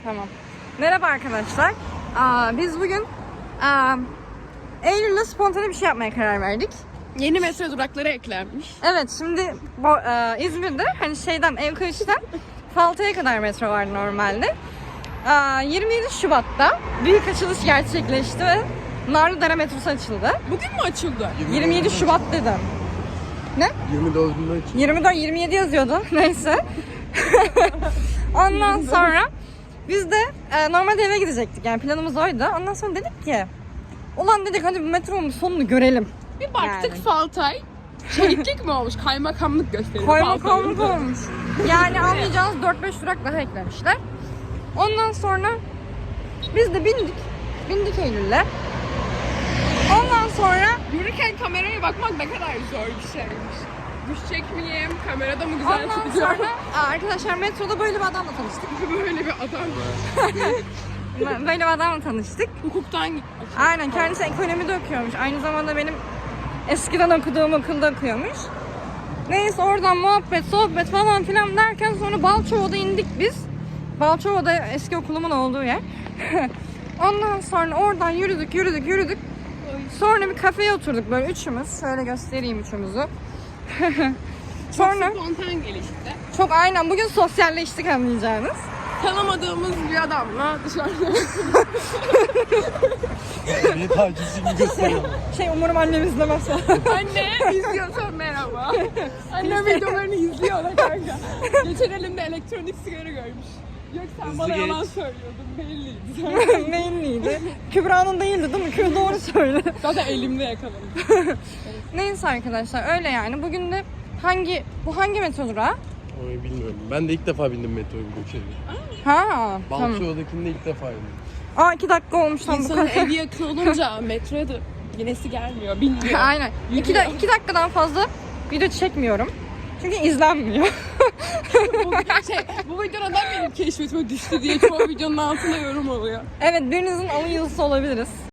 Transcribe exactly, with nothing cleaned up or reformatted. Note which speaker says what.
Speaker 1: Tamam. Merhaba arkadaşlar. Aa, biz bugün aa, Eylül'le spontane bir şey yapmaya karar verdik.
Speaker 2: Yeni metro durakları eklenmiş.
Speaker 1: Evet, şimdi bu, aa, İzmir'de hani şeyden Evkayış'tan Falta'ya kadar metro vardı normalde. Aa, yirmi yedi Şubat'ta büyük açılış gerçekleşti ve Narlıdere metrosu açıldı.
Speaker 2: Bugün mü açıldı?
Speaker 1: yirmi yedi Şubat dedim. Ne?
Speaker 3: yirmi dördünde açıldı.
Speaker 1: yirmi dört yirmi yedi yazıyordu. Neyse. Ondan sonra biz de e, normalde eve gidecektik. Yani planımız oydu. Ondan sonra dedik ki ulan dedik hadi bu metronun sonunu görelim.
Speaker 2: Bir baktık
Speaker 1: Yani.
Speaker 2: Faltay. Şehitlik mi olmuş? Kaymakamlık gösteriyor.
Speaker 1: Kaymakamlık
Speaker 2: Faltay'ın.
Speaker 1: olmuş. Yani anlayacağınız dört beş durak daha eklemişler. Ondan sonra biz de bindik. Bindik Eylül'le. Ondan sonra
Speaker 2: Yürürken kameraya bakmak ne kadar zor bir şeymiş. Düşecek miyim? Kamerada mı güzel
Speaker 1: ondan
Speaker 2: çıkacağım?
Speaker 1: sonra Aa, arkadaşlar metroda böyle bir adamla tanıştık.
Speaker 2: Böyle bir adam.
Speaker 1: Böyle bir adamla tanıştık.
Speaker 2: Hukuktan gitmiş.
Speaker 1: Aynen, kendisi ekonomide okuyormuş. Aynı zamanda benim eskiden okuduğum okulda okuyormuş. Neyse oradan muhabbet, sohbet falan filan derken sonra Balçova'da indik biz. Balçova'da eski okulumun olduğu yer. Ondan sonra oradan yürüdük, yürüdük, yürüdük. Sonra bir kafeye oturduk böyle üçümüz. Şöyle göstereyim üçümüzü. Sonra
Speaker 2: Çok spontan gelişti.
Speaker 1: çok aynen bugün sosyalleştik anlayacağınız.
Speaker 2: Tanımadığımız bir adamla dışarıda.
Speaker 3: Bir tacizini gösteriyor.
Speaker 1: Şey umarım annem izlemez.
Speaker 2: Anne izliyorsan merhaba. Annem videolarını izliyor da kanka. Geçen elimde elektronik sigara görmüş. Yok sen
Speaker 3: Hızlı
Speaker 2: bana
Speaker 3: geç.
Speaker 2: yalan söylüyordun belliydi.
Speaker 1: Neyinliydi? Kübra'nın değildi değil mi? Kübra doğru söyledi.
Speaker 2: Zaten elimde yakaladım.
Speaker 1: Neyse arkadaşlar öyle yani. Bugün de hangi bu hangi metro durağı?
Speaker 3: Onu bilmiyorum. Ben de ilk defa bindim metroya bu şehirde.
Speaker 1: Ha tamam.
Speaker 3: Balçova'dakinde ilk defa bindim.
Speaker 1: Aa iki dakika olmuş tam bu
Speaker 2: İnsanın
Speaker 1: kadar.
Speaker 2: evi yakın olunca metroya da yenesi gelmiyor, bilmiyor.
Speaker 1: Aynen. İki, da, iki dakikadan fazla video çekmiyorum. Çünkü izlenmiyor.
Speaker 2: bu, şey, bu videodan benim keşfetime düştü diye çoğu videonun altına yorum oluyor.
Speaker 1: Evet, birinizin alın yazısı olabiliriz.